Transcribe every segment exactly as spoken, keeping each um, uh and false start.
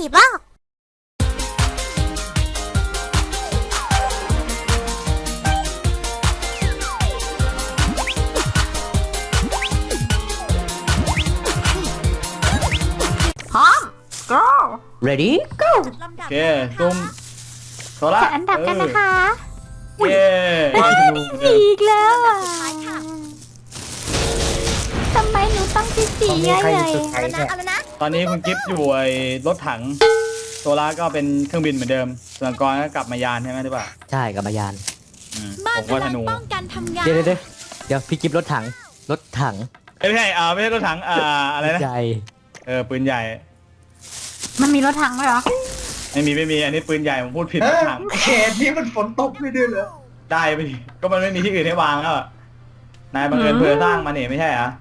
บ้าพร้อม go ready go โอเคซุ่มโซล่าจัดอันดับกันนะคะเย้สี่อีกแล้วอ่ะทำไมหนูต้องที่สี่มีใหญ่ใครใหญ่สุดท้ายเนี่ยตอนนี้คุณกิฟต์อยู่ไอ้รถถังโซล่าก็เป็นเครื่องบินเหมือนเดิมส่วนกรก็กลับมายานใช่ไหมหรือเปล่าใช่กับมายานอืมบ้านผมก็ธนูป้องกันทำงานเดี๋ยวเดี๋ยวเดี๋ยวพี่กิฟรถถังรถถังเอ้ยไม่ใช่อ่าไม่ใช่รถถังอ่าอะไรนะใจเออปืนใหญ่มันมีรถถังไหมเหรอไม่มีไม่มีอันนี้ปืนใหญ่ผมพูดผิดรถถังเขตนี้มันฝนตกไม่ด้วยเหรอได้ไปดิก็มันไม่มีที่อื่นให้วางแล้วอะนายบังเอิญเพื่อสร้างมาเนี่ยไม่ใช่เหรอ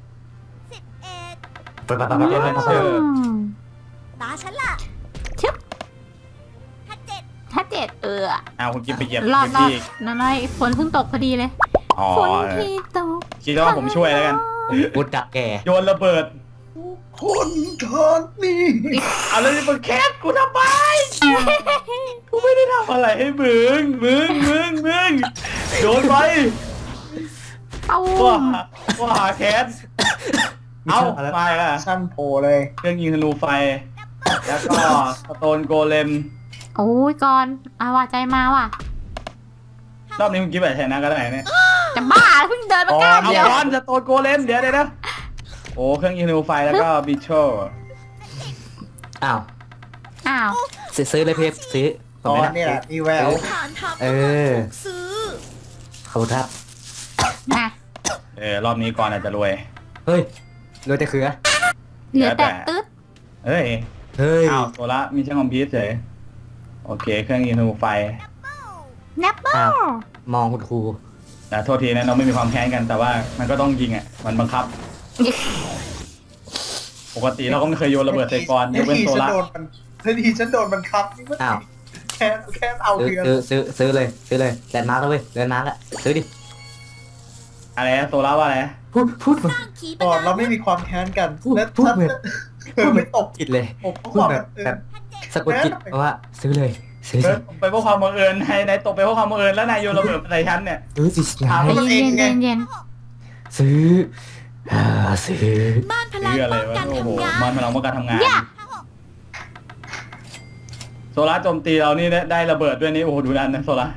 ไปไปไปไปไปไปเออมตาฉันล่ะชึบถ้าเจ็ดถ้าเจ็ดเออเอาคุณกิฟต์ไปเหยียบรอดรอพื้นดที่นั่นไงฝนเพิ่งตกพอดีเลยอ๋อฝนที่ตกคิดว่าผมช่วยแล้วกันบุดดักแกโยนระเบิดคนทอนนี่เอาแล้วนี่มึงแคสกูทำไมกูไม่ได้ทำอะไรให้มึงมึงมึงมึงโดนไปเอาว่าว่าหาแคสเอาไปละสั้นโผล่เลยเครื่องยิงธนูไฟ แล้วก็สโตนโกเลมโอ้ยก่อนเอาว่าใจมาว่ะรอบนี้มึงกิ๊บแบบชนะก็ได้เนี่ยจะบ้าเพิ่งเดินมาอ๋อก้าวเอาเดียวก้อนสโตนโกเลมเดี๋ยวเดี๋ยวนะโอ้เครื่องยิงธนูไฟแล้วก็บิชโชอ้าวอ้าวซื้อซื้อเลยเพียบซื้อผตมอไม่นได้นี่แหละมีแววฐานทัพเออถูกซื้อขอบคุณครับมาเออรอบนี้ก่อนอาจจะรวยเฮ้ยรวยแต่เขือเหลือแต่ตึ๊ดเฮ้ยเฮ้ยอ้าวโซล่ามีช่างคอมพิวเตอร์เฉยโอเค เครื่องยิงธนูไฟแนปเปิลมองคุณครูแต่โทษทีนะเราไม่มีความแค้นกันแต่ว่ามันก็ต้องยิงอ่ะมันบังคับ ปกติเราก็ไม่เคยโยนระเบิดใส่กรยกเว้นทีโซฉันล่าโดนมันทันทีฉันโดนมันครับนี่มันอ้าวแค่แค่เอาซื้อเรือซื้อซื้อซื้อเลยซื้อเลยแลนด์มาร์กแล้วเว้ยแลนด์มาร์กอะซื้อดิอะไรนะโซล่าว่าอะไรนะพูดพูดเหมือนสร้างขีปก่อนนาเราไม่มีความแค้นกันพูดและพูดฉันเหมือนเธอไม่ตกจิตเลยผมเพราะพูดความแบแบบ บแบบสะกดจิตเพราะว่าซื้อเลยซื้อเอสิอไปเพราะความบังเอิญนายนายตกไปเพราะความบังเอิญแล้วนายโยนระเบิดใส่ฉันเนี่ยซื้อสิไงถามใจเย็นเย็นเย็นซื้ออ่าซื้อบ้านพลังเรื่องอะไรป้องวะกันโอ้โหทำงานมันพลังว่าการทำงานอย่าโซล่าโจมตีเรานี่ได้ได้ระเบิดด้วยนี่โอ้โหดูดันนะโซล่า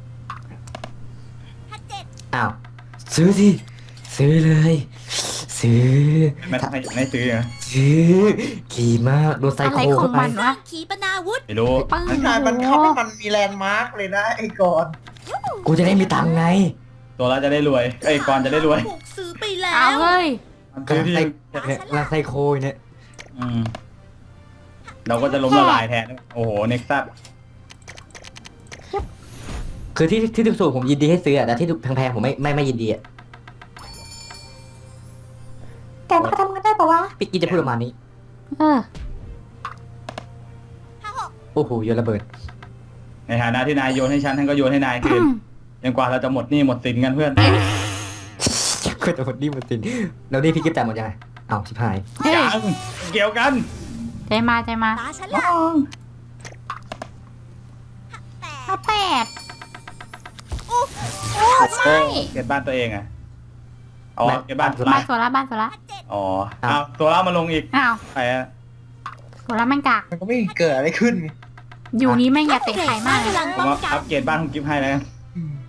ถ้าเจ็ดอ้าวซื้อสิซื้อเลยซื้อไม่ไม่ไม่ซื้อนะซื้อขี่มากโดนไซอะไรโคขอเข้าง ไปมันวะขีปนาวุธไม่รู้ปึ้งนายมันทำให้มันมีแลนด์มาร์กเลยนะไอ้ก่อนกูจะได้มีตังค์ไงโซล่าจะได้รวยไอ้ยกรจะได้รวยถูกซื้อไปแล้เอาวเฮ้ยมันซื้อที่เนี่ยลาไซโคเนี่ยอืมเราก็จะล้มละลายแทนโอ้โหเน็กซัสคือที่ที่ถูกๆผมยินดีให้ซื้ออะแต่ที่แพงๆผมไม่ไม่ไม่ยินดีอะแต่มันทำกันได้ปะวะพี่กินจะพูดประมาณนี้เออถ้าหกโอ้โหโยนระเบิดในฐานะที่นายโยนให้ฉันฉันก็โยนให้นายคืนจนกว่าเราจะหมดหนี้หมดสินกันเพื่อนก็จะหมดนี่หมดสินแล้วนี่พี่กิฟต์จ่ายหมดยังไงอ้าวชิบหายเฮ้ยยังเกี่ยวกันใจมาใจมาตาฉันล่ะแปดเอาแปดโอ้โอ้ไม่เก็บบ้านตัวเองอะอ๋อเก็บบ้านโซบ้าล่านโซล่าบ้านโซล่าถ้าเจ็ดอ๋อเอาโซล่ามาลงอีกอ้าวไปอะโซล่าแม่งกากมันก็ไม่เกิดอะไรขึ้นไงอยู่นี้แม่งอย่าเตะไข่มากพเลยลังผมป้องว่ากัอันปเกรดบ้านคุณกิฟต์ให้แล้วอืม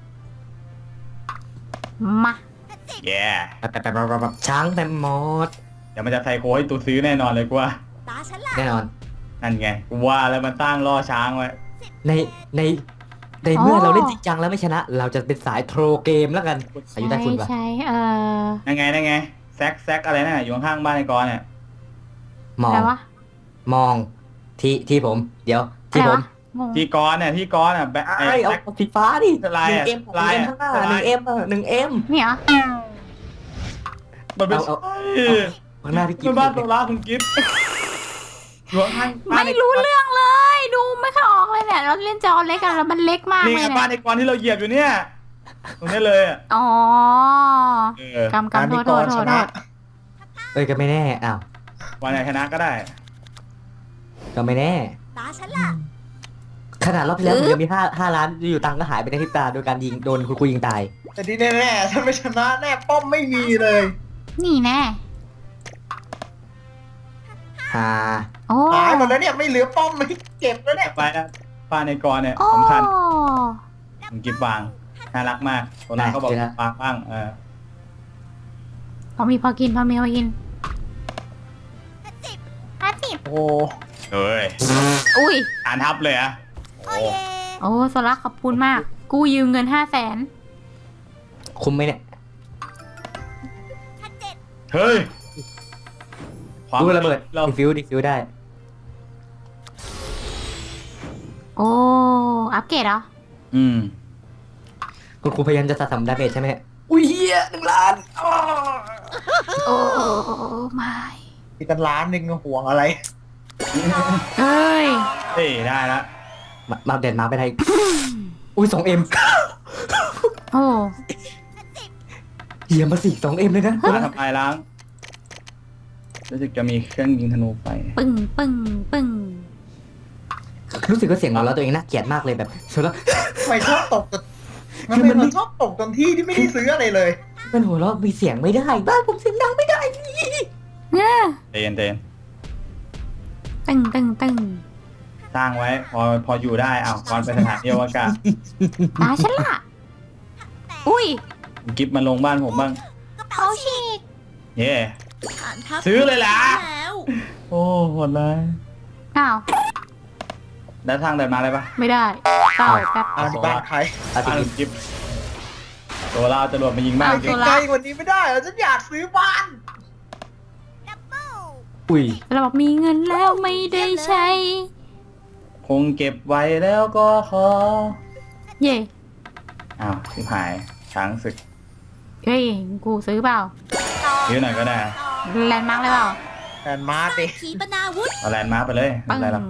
มาแย่แบบแบบแบบแบบแบบช้างแต่มอดเดี๋ยวมันจะไซโคให้ตูซื้อแน่นอนเลยกูว่าตาฉันล่ะแน่นอนนั่นไงกูว่าแล้วมันตั้งล่อช้างไว้ในในในเมื่อเราเล่นจริงจังแล้วไม่ชนะ เราจะเป็นสายโทรเกมแล้วกันอายุได้ใช้คุณปะใช้เออนั่นไงนั่นไงแซกแซกอะไรน่ะอยู่ข้างๆบ้านไอ้กรณ์เนี่ยมออะไรงวะมองที่ที่ผม เดี๋ยวอะที่ไรผวะมงงที่กรณ์เนี่ยที่กรณ์อ่ะแบะไอ้ไอ้เอาแซกสีฟ้าดิลายหนึ่อะงเอ็มลายหนึ่อะงเอ็มข้างหน้าหลายนึ่งเอ็มหนึ่งเอ็มนี่เหรอมันไม่เอาใช่เอา ข้างหน้าพี่กิ๊มันฟบ้านโซล่าคุณกิฟต์อยู่ข้างๆบ้านไม่ไอ้รู้เรื่องเลย ดูไม่ค่อยออกเลยเนี่ยเราเล่นจอเล็กกันแล้วมันเล็กมากนี่เลไงยบ้านเนี่ยไอ้กรณ์ที่เราเหยียบอยู่เนี่ยตรงนี้เลยอ่ะอ๋อเออกำกำโทษโทษโทษโทษเอ้ยก็ไม่แน่อ้าววันไหนชนะก็ได้ก็ไม่แน่ตาฉันล่ะขนาดรอบที่แล้วผมยังมีห้าห้าล้านอยู่ตังค์ก็หายไปในพริบตาโดยการยิงโดนคุณครูยิงตายแต่ที่แน่ๆถ้าไม่ชนะแน่ป้อมไม่มีเลยนี่แน่ฮาโอ้หายหมดแล้วเนี่ยไม่เหลือป้อมไม่เก็บแล้วเนี่ยไปนะป้าในกรเนี่ยโอ้สำคัญผมกิบวางน่ารักมากตัวนั้นเขาบอกวางบ้างเออพอมีพอกินพอมีพอกินห้าสิบห้าสิบโอ้เฮ้ยอุ้ยอ่านทับเลยอะโอ้เยโอ้โซล่าขอบคุณมาก กูยืมเงินห้าแสนคุ้มไหมเนี่ยห้าเจ็ดเฮ้ยดูระเบิดเราดิฟิวดิฟิวได้โอ้อัปเกรดเหรออืมคุณครูพยายามจะสะสมดาเมจใช่ไหมเนี่ยอุ้ยเฮียหนึ่งล้านอ้อโอ้ไม่มีกันล้านหนึ่งห่วงอะไรเอ้ยเฮ้ยได้ละมามาเด่นมาไปไหนอุ้ยสองเอ็มโอ้เฮียมาสี่สองเอ็มเลยนะมาทำลายล้างรู้สึกจะมีเครื่องยิงธนูไฟปึ้งปึ้งปึ้งรู้สึกว่าเสียงของเราตัวเองน่าเกลียดมากเลยแบบชนแล้วทำไมชอบตกจนมันคือมัเป็นนมันชอบตกตอนที่ที่ไม่ได้ซื้ออะไรเลยมันหัวเราะมีเสียงไม่ได้บ้านผมเสียงดังไม่ได้เนี่ยเตนเตนตึงตึงตึงสร้างไว้ พอพออยู่ได้อ้าวก่อนไปสถานที่อวกาศตาฉันล่ะ อุ้ยกิฟมาลงบ้านผมบ้างกระเป๋าเขาฉีกฉีกเย่ฐานทัพซื้อเลยล่ะแล้วโอ้โหดเลยอ้าวได้ทางเดินมาเลยปะไม่ได้เต่าแป๊บอ่าบ้านใครอาจจะบ้านกินกิฟตัวเราจะรวมมายิงบ้านเอากิตัฟวใกล้กว่านี้ไม่ได้เหรอฉันอยากซื้อบ้านดับเบิลอุ้ยเราบอกมีเงินแล้วไม่ได้ใช้คงเก็บไว้แล้วก็ขอเย่อ้าวสิหายช้างศึกเฮ้ย กูซื้อเปล่าต่อยื้อหน่อยก็ได้ต่อแลนด์มาร์กเลยเปล่าแอนมาร์ดิขีปนาวุธเอาแลนด์มาร์คไปเลยปึ้งอะไรหรอก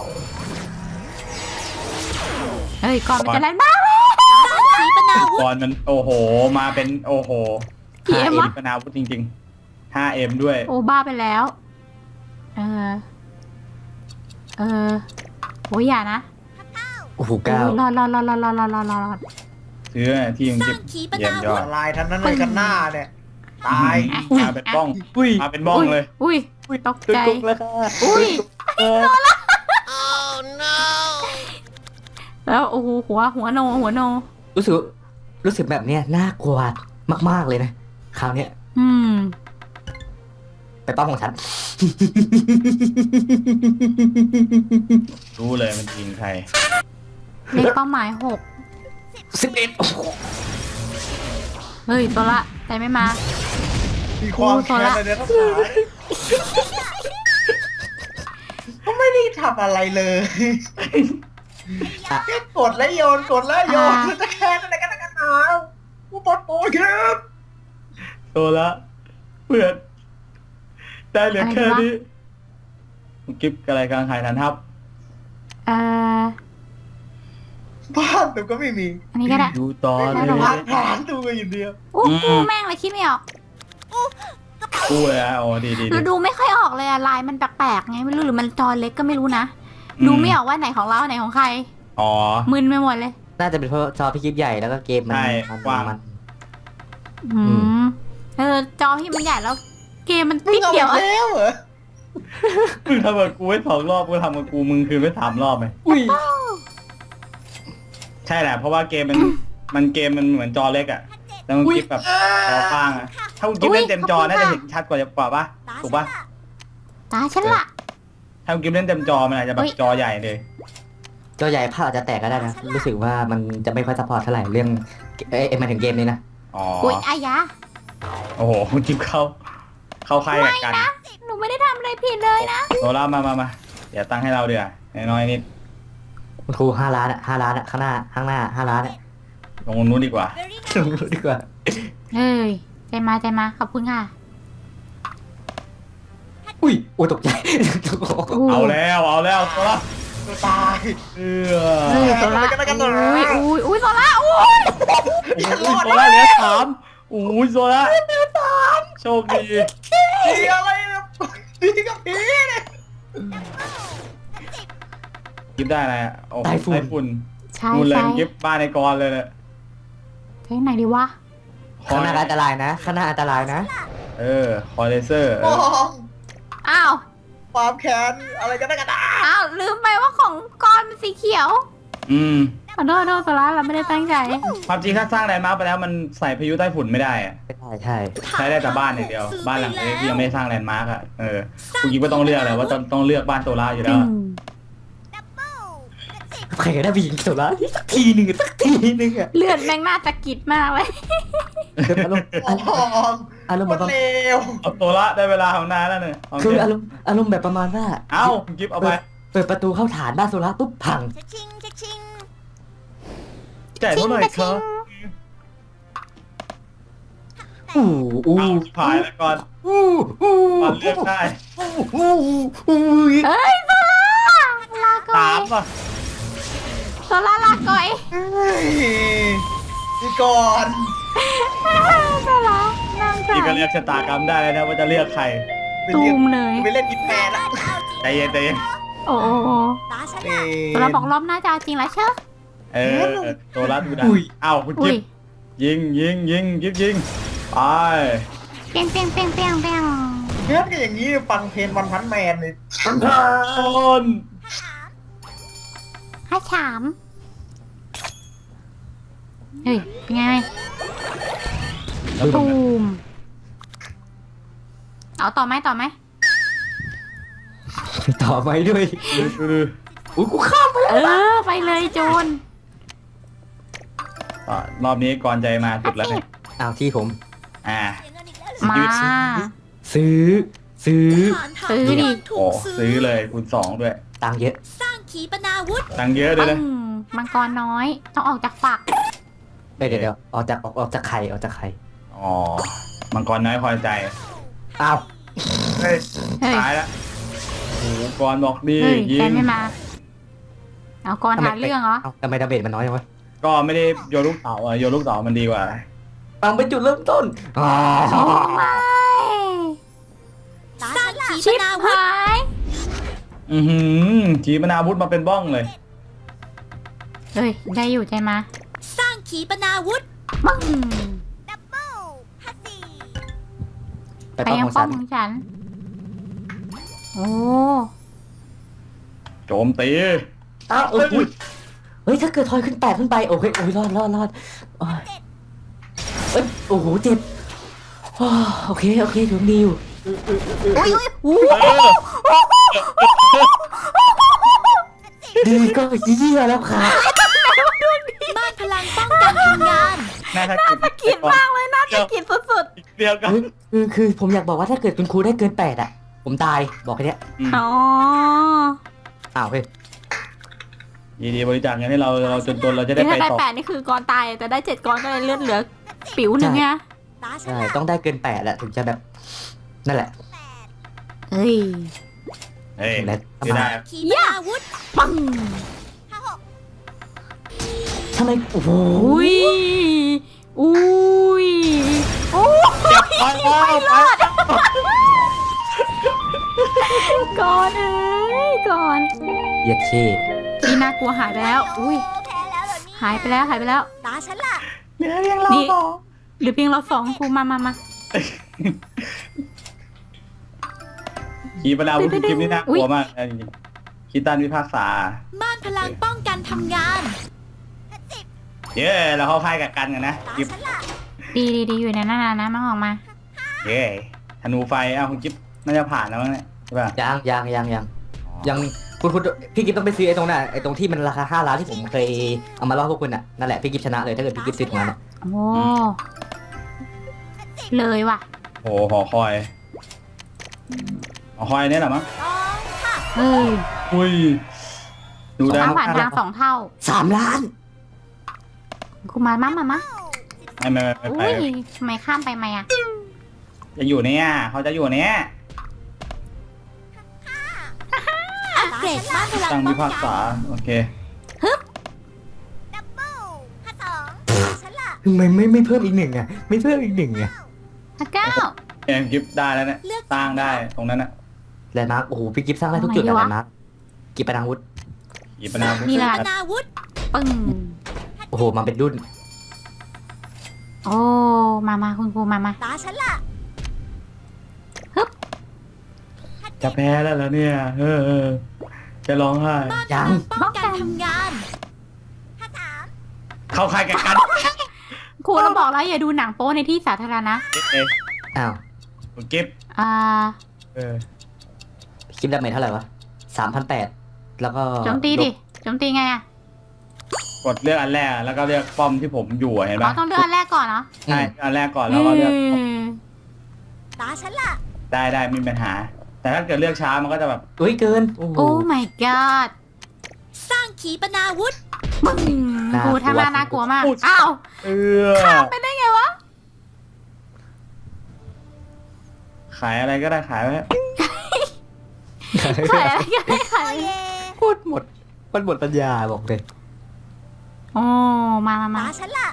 เฮ้ย ก่อนมันจะแลนด์มาร์กเลยขีปนาวุธก่อนมันโอ้โห มาเป็นโอ้โหกี่เอ็มวะปนาวุธจริงๆ ห้าเอ็มด้วยโอ้บ้าไปแล้ว เออ เออโอ้ยอย่านะโอ้โหเก้าโอ้ยรอดรอดรอดรอดรอดรอดรอดรอดซื้อที่ยังสร้าเก็บงขีปเยี่ยนามยอวุดธลายทั้งนั้นเลยกันหน้าเนี่ยตายมาเป็นบ้องอุ้ยมาเป็นบ้องเลยอุ้ยตกใจตุกแล้วค่ะอุ้ยเออแล้วโอ้โหหัวหัวโนหัวโนรู้สึกรู้สึกแบบเนี้ยน่ากลัวมากๆเลยนะคราวเนี้ยอืมไปป้อมของฉันรู้เลยมันยิงใครเลขเป้าหมายหกสิบเอ็ดโอ้โหเฮ้ยตัวละแต่ไม่มามีความแค้นอะไรเนี่ยต้องหาก็ไม่ได้ทำอะไรเลยแค่กดแล้วโยนกดแล้วโยนอ่าคือจะแค้นอะไรกันนักกันหนาผู้ปลดโปรยครับตัวละเพื่อนได้เหลือแค่นี้กิฟอะไรกลางขายฐานทัพเอ่อบ้านแต่ก็ไม่มีอันนี้ก็ได้ดูต่อเลได้หรอวะยฐานตัวก็อยู่เดียวอู้อืมกูแม่งเลยคิดไม่ออกกู้เลยอ่ะโอ้ดีดีดูดูไม่ค่อยออกเลยอะลายมันแปลกๆไงไม่รู้หรือมันจอเล็กก็ไม่รู้นะ ดูไม่ออกว่าไหนของเราไหนของใครอ๋อมึนไปหมดเลยน่าจะเป็นเพราะจอพี่คลิปใหญ่แล้วก็เกมมันใช่มันกว้างมันอืมเออจอพี่มันใหญ่แล้ว เกมมันมึนิงดเอาเดียวไปอะแล้วเหรอมึงทำกับกูไว้สองรอบกูทำกับกูมึงคืนไว้สามรอบไหมอุ้ยใช่แหละเพราะว่าเกมมันมันเกมมันเหมือนจอเล็กอ่ะแล้วมันกิฟแบบจอข้างอ่ะถ้าคุณกิฟเล่นเต็มจอน่าจะเห็นชัดกว่ากว่าปะตาถูกฉัปะนล่ะตาฉันละถ้าคุณกิฟเล่นเต็มจอมันอาจจะแบบจอใหญ่เลยจอใหญ่ภาพอาจจะแตกก็ได้นะ รู้สึกว่ามันจะไม่ค่อยซัพพอร์ตเท่าไหร่เรื่องเอ้ยหมายถึงเกมนี้นะอ๋ออุ้ยอายะโอ้โหคุณกิฟเข้าเข้าค่ายกับกันหนูไม่ได้ทำอะไรผิดเลยนะโซล่ามามามาเดี๋ยวตั้งให้เราเดี๋ยวน้อยๆนิดคุณครูห้าล้านอ่ะห้าล้านอ่ะข้างหน้าข้างหน้าห้าล้านอ่ะลงนู้นดีกว่าเบอร์รี่ลงรู้ดีกว่าเอ้ยใจมาใจมาขอบคุณค่ะอุ้ยโอ้ยตกใจเอาแล้วเอาแล้วโซล่าตัวตายเอเฮ้ยอโซล่ากันแล้วกันแล้วอุ้ยอุ้ยอุ้ยโซล่าอุ้ยโอ้ยโซล่าเหลือสามโอ้ยโซล่าโชคดีดีอะไรเนี่ยดีกับผีเนี่ยกิฟได้อะไรอ่ะโอ้ไต้ฝุ่นไต้ฝุ่นใช่นู่นเลยใช่กิฟบ้านในกรเลยเนี่ยไปไหนดีวะข้างหน้าอันตรายนะข้างหน้าอันตรายนะเออคอเลเซอร์เอมอองอ้าวความแค้นอะไรกันนะกันนะอ้าวลืมไปว่าของก้อนมันสีเขียวอืมขอโทษขอโทษโซล่าเราไม่ได้ตั้งใจความจริงถ้าสร้างแลนด์มาร์คไปแล้วมันใส่พายุใต้ฝุ่นไม่ได้อะใช่ใช่ใช้ได้แต่บ้านอย่างเดียว บ้านหลังเล็กที่ยังไม่สร้างแลนด์มาร์คอ่ะเออคุณกิฟก็ต้องเลือกแหละว่าต้องต้องเลือกบ้านโซล่าอยู่แล้วอะใครก็ได้ไปยิงโซล่าสักทีหนึ่งสักทีหนึ่งอะเลือดแม่งน่าจะกิดมากเลยอารมณ์มองอารมณ์คแบบนเลวเอาโซล่าได้เวลาของนายแล้วเนี่ยโอคือเคอารมณ์อารมณ์แบบประมาณว่าเอ้าคุณกิฟเอาไปเปิดประตูเข้าฐานบ้านโซล่าปุ๊บพังชะชิงชะชิงจ่ายเท่าไหร่ครับอู้อู้เอาชิบหายแล้วก่อนอู้อู้ก่อนเลือกได้อู้อู้อู้เอ้ยโซล่าลาก่อสาย มป่ะโซล่าลาก่อยเฮ้ยนี่ก่อนโซล่านั่งใจนี่ก็เรียกชะตากรรมได้เลยนะว่าจะเลือกใครไปตูเรียนมเลยไปเล่นอินแมนละใจเย็นใจเย็นโอ้โอ้โอ้ตาฉันเอ้ละยโซล่าบอกรอบหน้าจะเอาจริงแล้วเชอะเออโซล่าดูดันอุ้ยเอ้าคุณอุ้กิยฟยิงยิงยิงยิงยิงไปเปียงเปียงเปียงเปียงเปียงเพื่อนกันอย่างนี้ฟังเพลงวันพันแมนเลยต้นห้าฉามเฮ้ยเป็นไงแล้วตรตูงนั้นมเอาต่อไหมต่อไหมต่อไปด้วยดูดูดูอุ้ยกูข้ามไปเออไปเลยโจนอ่ะรอบนี้ก่อนใจมาสุดแล้วเนี่ยอ้าวที่ผมอ่าเสียเงินอีกแล้วมาซื้อ ซื้อฐานทัพซื้อดิถูโอ้กซื้อเลยคูณสองด้วยตังค์เยอะสร้างขีปนาวุธตังค์เยอะเลยนะอืมมังกรน้อย ต้องออกจากฝักเดี๋ยวเดี๋ยวเดี๋ยวออกจากออกออกจากไข่ออกจากไข่อ๋อมังกรน้อยคอยใจอ้าวเฮ้ยเฮ้ยตายแล้วโอ้โหกรบอกดีเฮ้ยยิแกงไม่มา เอากรหาเรื่องเหรอเอ้าทำไมดาเมจมันน้อยจังวะก็ไม่ได้โยนลูกเต๋าอ่ะโยนลูกเต๋ามันดีกว่าฟังเป็นจุดเริ่มต้นอ๋อไม่ตาฉันละขีชิปบนาวุธหายอือหือขีปนาวุธมาเป็นบ้องเลยเฮ้ย ได้อยู่ใจมาสร้างขีปนาวุธปึ้งดับเบิลฮัตสี่ไปไปป้องยัขงองป้ฉัอมนของฉัน โอ้โจมตีอ้าวเอออุ๊ยเฮ้ยถ้าเกิดทอยขึ้นแปดขึ้นไปโอเคโอ้ยรอดรอดรอดโอ้ยเอ้ยโอ้โหเจ็บโอ้โอเคโอเคถึงดีอยู่อุ้ยอุ้ยอู้เออดีก็เยี่ยแล้วค่ะม่านพลังป้องกันทำงานน่าจะน่าจะกินมากเลยน่าจะกินสุดเดียวกันเฮ้ยคือคือผมอยากบอกว่าถ้าเกิดคุณครูได้เกินแปดอ่ะ ผมตายบอกแค่เนี้ยๆ อ๋ออ้าวเฮ้ยยินดีบริจาคเงินให้เราเราจนๆเราจะได้นี่ไปถ้าได้ต่อแปดนี่คือกรตายแต่ได้เจ็ดกรก็เลยเลือดเหลือ ปิ๋วหนึ่งไงตาฉันใช่ละต้องได้เกินแปดแหละถึงจะแบบ นั่นแหละเฮ้ยเฮ้ยและไม่ได้ขีปนาวุธปังห้าหกทำไมโอ้โหอุ้ย อุ้ยโอ้เจ็บไปแล้วไปก่อนเอ้ยก่อนเหยียดเช่นี่น่ากลัวหายไปแล้ว อุ้ยแพ้แล้วเหรอนี่หายไปแล้วหายไปแล้วตาฉันละเหลือเพียงเรานี่ต่อหรือเพียงเราสองครูมามามาขีปนาวุธคลิปนี้น่ากลัวมากจริงๆคิดตันวิภาคษาม่านพลังป้องกันทำงานเย้เราเข้าค่ายกับกันกันนะตากิฟฉันละดีดีดีอยู่ในนั้นนะนะมันออกมาเย้ธนูไฟอ้าวคุณกิฟน่าจะผ่านแล้วมั้งเนี่ยใช่ป่ะยังยังยังยังยังคุณคุณพี่กิฟต้องไปซื้อไอ้ตรงนั้นไอ้ตรงที่มันราคาห้าล้านที่ผมเคยเอามาล่อพวกคุณอ่ะนั่นแหละพี่กิฟชนะเลยถ้าเกิดพี่กิฟซื้อตรงนั้นอะโอ้เลยว่ะโอ้หอคอยหอคอยเนี่ยเหรอมั้งสองค่ะเฮ้ยอุ้ยดูได้ทางผ่านทางสองเท่าสามล้านครูมามามามาไม่ไม่ไม่ไม่อุ้ยไปทำไมข้ามไปไหมอ่ะจะอยู่เนี่ยเขาจะอยู่เนี่ยอัปเกรดม่านพลังตั้งป้วิองภาคกัษาน โอเคดับเบิลห้าสองตาฉันละทำไมไม่ไม่เพิ่มอีกหนึ่งอ่ะไม่เพิ่มอีกหนึ่งอ่ะพระเก้าเอ็มกิฟได้แล้วเนี่ยสร้างได้ตรงนั้นน่ะแลนด์มาร์คโอ้โหพี่กิฟสร้างได้ทุกจุดอะแลนด์มาร์คกีปนาวุธหยิบปนานี่แหละนาวุธปึ้งโอ้โหมาเป็นรุ่นโอ้มามาคุณครูมามาตาฉันล่ะจะแพ้แล้วแล้วเนี่ยเออเออจะร้องไห้ยังป้องกันทำงานห้าสามเข้าค่ายแข่งกันครูเราบอกแล้วอย่าดูหนังโป๊ในที่สาธารณะเอ๊ะอ้าวคุณกิฟต์อ่าเออพี่กิฟดาเมจเท่าไหร่วะสามพันแปดแล้วก็โจมตีดิโจมตีไงอ่ะกดเลือกอันแรกแล้วก็เลือกป้อมที่ผมอยู่อะเห็นอ๋อปะต้องเลือกอันแรกก่อนเนาะใช่อันแรกก่อนแล้วก็เลือกตาฉันล่ะได้ได้ไม่มีปัญหา แต่ถ้าเกิดเลือกช้ามันก็จะแบบอุ้ยเกินโอ้โหโอ้ my god สร้างขีปนาวุธปึ้งน่ากลัวครูทำมาน่ากลัวมากอ้าวเออไปได้ไงวะขายอะไรก็ได้ขายไว้ขายอะไรก็ได้ขายโอเยพูดหมดมันหมดปัญญาบอกเลยโอ้มามามาตาฉันล่ะ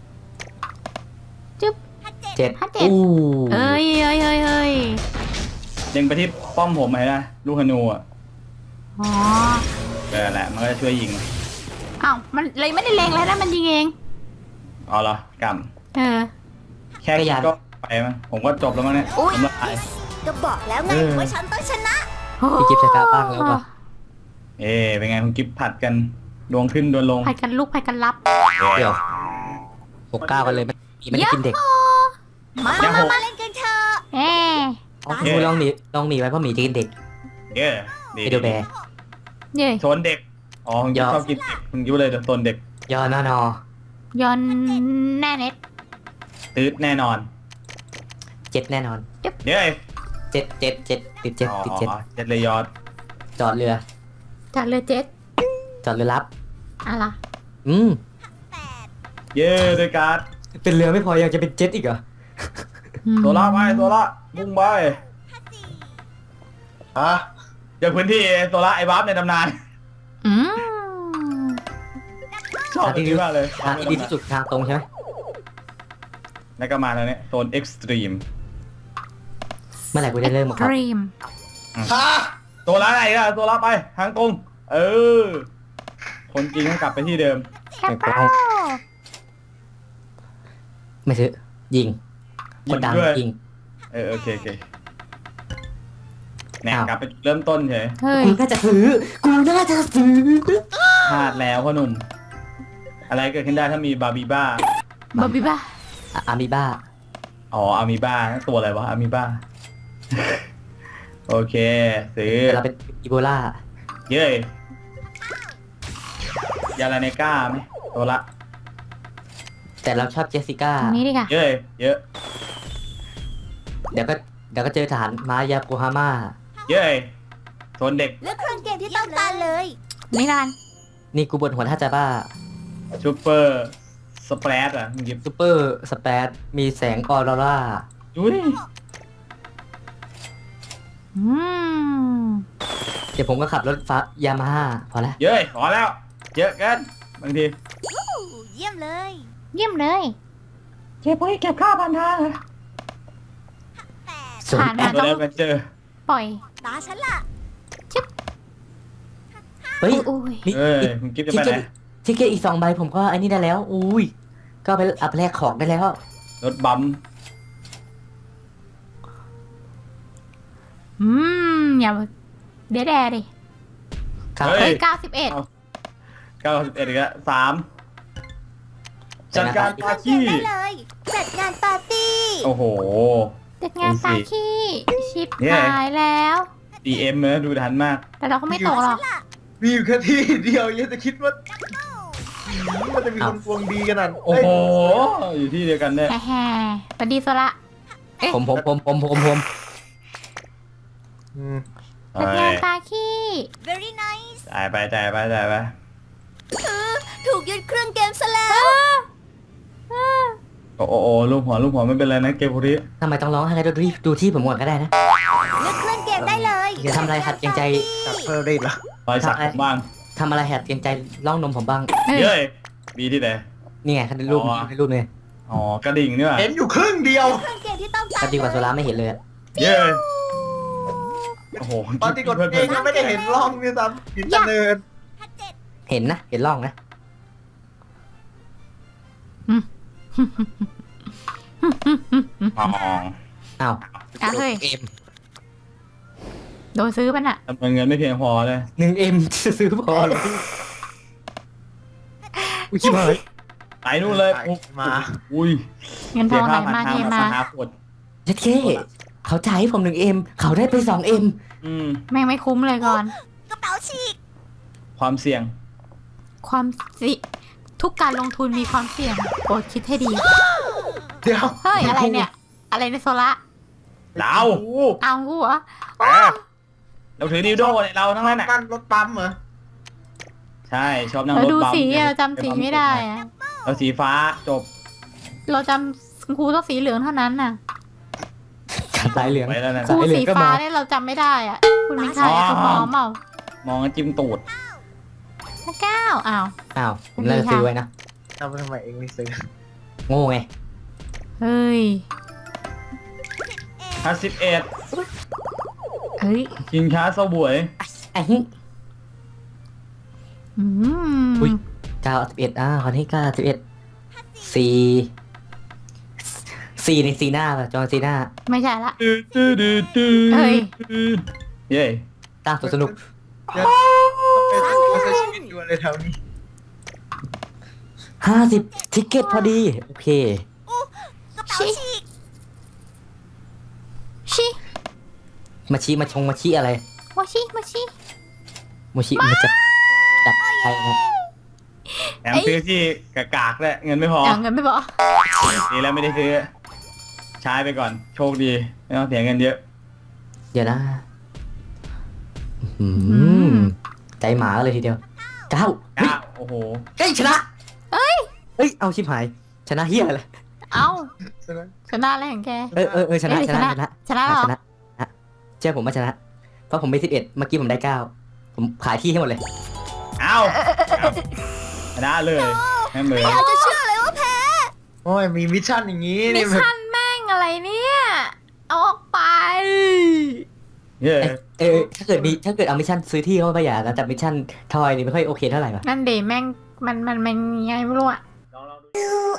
จึ๊บห้าเจ็ดเจ็ดห้าเจ็ดอู้เอ้ยเอ้ยเอ้ยเอ้ยเล็งไปที่ป้อมผมไหมนะลูกธนูอ่ะอ๋อเออแหละมันก็จะช่วยยิงอ้าวมันเลยไม่ได้เลงแล้วนะมันยิงเองอ๋อเหรอกำเออแค่คิดก็ไปมั้งผมก็จบแล้วมั้งเนี่ยอุ๊ยผมละลายก็บอกแล้วไงเออว่าฉันต้องชนะพี่กิฟต์ใช้กล้าบ้างแล้วป่ะเอ๊ะเป็นไงคุณกิฟผัดกันดวงขึ้นดวงลงผัดกันลุกผัดกันรับเดี๋ยวหกเก้ากันเลยไม่ไม่ได้กินเด็กมามามามาเล่นกันเถอะเอ๊ะอ๋อครูลองหนีลองหนีไว้เพราะหมีจะกินเด็กเย้ดีไปดูแบร์เย้ยโซนเด็กอ๋อคุณกิฟยอมชอบกินเด็กคุณกิฟเลยโซนเด็กยอนอนอย้อนแน่เน็ตตืดแน่นอนเจ็ดแน่นอนเย้เจ็ดเจ็ดเจ็ดติดเจ็ดอ๋อติดเจ็ดเจ็ดเลยยอดจอดเรือจากเรือเจ็ตจอดเรือรับอะไรอืมแปดเย้ด้วยการ์ดเป็นเรือไม่พอยังจะเป็นเจ็ตอีกเหรอโซล่าไปโซล่ามุ่งไปห้าสี่ฮะจากพื้นที่โซล่าไอ้บัฟในตำนานอืมชอบที่นี้มากเลยทางที่ดีที่สุดทางตรงใช่ไหมแล้วก็มาแล้วเนี่ยโซนเอ็กซ์ตรีมเมื่อไหร่กูได้เริ่มหมดครับดรีมฮะโซล่าไหนล่ะโซล่าไปทางตรง เออ คนจริงให้กลับไปที่เดิมแคปเปิลไม่ซื้อยิงคนดังด้วยยิงเออโอเคโอเคแหนอ้าวกลับไปเริ่มต้นเฉยเฮ้ยกูน่าจะซื้อกูน่าจะซื้อพลาดแล้วพ่อหนุ่ม อะไรเกิดขึ้นได้ถ้ามีบาร์บีบ้าบอบบี้บ้าอะอามิบ้าอ๋ออามีบ้าตัวอะไรวะอามีบ้า โอเคซื้อแต่เราเป็นอีโบลาเย้ยยาลาเนก้าไหมตัวละแต่เราชอบเจสสิก้าตรงนี้ดีกว่าเย้ยเยอะเดี๋ยวก็เดี๋ยวก็เจอฐานมายาโกฮาม่าเย้ยโซนเด็กเลือกเครื่องเกมที่ต้องการเลยนี่ละกันนี่กูบนหัวท่าจะบ้าซูเปอร์สเปรดอ่ะมึงหยิบซูเปอร์สเปซมีแสงออโรราดูดิอืมเดี๋ยวผมก็ขับรถฟ้ายามาฮ่าพอละเย้ยขอแล้ว เยอะเกันบางทีอู้เยี่ยมเลยเยี่ยมเลยเก็บไว้เก็บข้าวพันทางแปดส่วนผ่านมาตัวต้อแรงกมาเจอปล่อยตาฉันล่ะเฮ้ยอุ้ยมีเอ้ยมีคุณกิฟจะทิไปเกไหนตทิเกตอีกสองใบผมก็ไอ้นี่ได้แล้ว อุ้ย ก็ไปอัพแลกของได้แล้วรถบัมป์อืมอย่าเดดแดดิครับเฮ้เฮ้ยยเก้าสิบเอ็ดเก้าสิบเอ็ดอีกแล้วสามจัดจัดการการปาเกมขี้ได้เลย จัดงานปาร์ตี้โอ้โหจัดงานปาขี้ชิปเนี่ยหายแล้วดีเอ็มเนอะดูทันมากแต่เราก็ไม่ตกหรอกมีอยู่แค่ที่เดียวยังจะคิดว่ามันจะมีคนดวงดีกันนั่นโอ้โห อยู่ที่เดียวกันเนี่ยแฮ่ๆสวัสดีโซละผมผมผมผมผมผมอืมจัดงานปาขี้ very nice จ่ายไปจ่ายไปจ่ายไปถูกยึดเครื่องเกมซะแล้วโอ้โหโอ้ลูกหัวลูกหัวไม่เป็นไรนะเกมพวกนี้ทำไมต้องร้องให้ดูที่ดูที่ผมก่อนก็ได้นะเลือกเครื่องเกมได้เลยอย่าทำอะไรขัดเกรงใจจัดเพิ่มได้ละรอยสักผมบ้างทำอะไรแหดเกรงใจล่องนมผมบ้างเฮ้ยเย้ยมีที่ไหนนี่ไงคันรูปอ๋อให้รูปเลยอ๋อกระดิ่งนี่ว่ะเห็นอยู่ครึ่งเดียวเครื่องเกมที่ต้องการก็ดีกว่าโซล่าไม่เห็นเลยอะเย้ยโอ้โหตอนที่กดเองยังไม่ได้เห็นร่องนี่ซ้ำหินตะเนินถ้าเจ็ดเห็นนะเห็นร่องนะอ๋ออ้าวอ่ะเฮ้ยเอ็มโดนซื้อป่ะน่ะจำนวนเงินไม่เพียงพอเลยหนึ่งเอ็มจะซื้อพอเหรออุ้ยชิบหายไปนู่นเลยมาอุ้ยเงินทองไหลมาเทมาหาขวดเจ็ดเคเขาจ่ายให้ผมหนึ่งเอ็มเขาได้ไปสองเอ็มอืมแม่งไม่คุ้มเลยก่อนกระเป๋าฉีกความเสี่ยงความสิทุกการลงทุนมีความเสี่ยงโปรดคิดให้ดีเดี๋ยวเฮ้ย อะไรเนี่ย อะไรในโซละเราโอ้โหเอากูเหรอเออเราถือดิวโดเนี่ยเราทั้งนั้นอ่ะนั่นรถปั๊มเหรอใช่ชอบนั่งเรารถดูบัมสีอะเราจำสีไม่ได้อะเราสีฟ้าจบเราจำครูต้องสีเหลืองเท่านั้นน่ะขาดสายเหลืองไปแล้วนะครูสายเหลืองสีก็ฟ้ามาเนี่ยเราจำไม่ได้อะคุณไม่ใช่อ๋อคุณมอมเปล่ามองกันจิ้มตูดพระเก้าอ้าวอ้าวผมน่าจะซื้อไว้นะทำไมทำไมเองไม่ซื้อโง่ไงเฮ้ยห้าสิบเอ็ดเฮ้ยกินค้าเสวยไอ้หิอืมอุ๊ย เก้าสิบเอ็ดอ่าคนที่เก้าสิบเอ็ดสี่สี่ในซีหน้าป่ะจอห์นซีหน้าไม่ใช่ละตื้อตื้อตื้อตื้อเฮ้ยเย้ตั้งสวนสนุกเดี๋ยวต้องไปใช้ชีวิตอยู่อะไรแถวนี้ห้าสิบทิกเก็ตพอดี โอเคกระเป๋าฉีกชิมาชิมาชงมาชิอะไรมาชิมาชิมาชิมาจับจับใครนะแถมซื้อที่กากากๆด้วยเงินไม่พอเอาเงินไม่บอกดีแล้วไม่ได้ซื้อ ใช้ไปก่อน โชคดี ไม่ต้องเสียเงินเยอะเดี๋ยวนะอืมใจหมาเลยทีเดียวเก้าเก้าโอ้โหเฮ้ยชนะเอ้ยเฮ้ยเอาชิบหายชนะเฮียอะไรเอ้าใช่ไหมชนะอะไรของแกเออเออเออชนะเอ้ยชนะชชนะนะชนะเหรอชนะชนะเชื่อผมว่าชนะ เพราะผมไปสิบเอ็ดเมื่อกี้ผมได้เก้าผมขายที่ให้หมดเลยเอ้าเอาชนะเลยแม่เหมือนเราจะเชื่อเลยว่าแพ้โอ้ยมีมิชชั่นอย่างนี้มินี่ชแบบชั่นแม่งอะไรเนี่ยเอาออกไปเย้เอยเอยถ้าเกิดมีถ้าเกิดเอามิชชั่นซื้อที่เข้าไปอย่ากันแต่มิชชั่นทอยนี่ไม่ค่อยโอเคเท่าไหร่ป่ะนั่นเดแม่งมันมันมันยังไงไม่รู้อะลองลองดู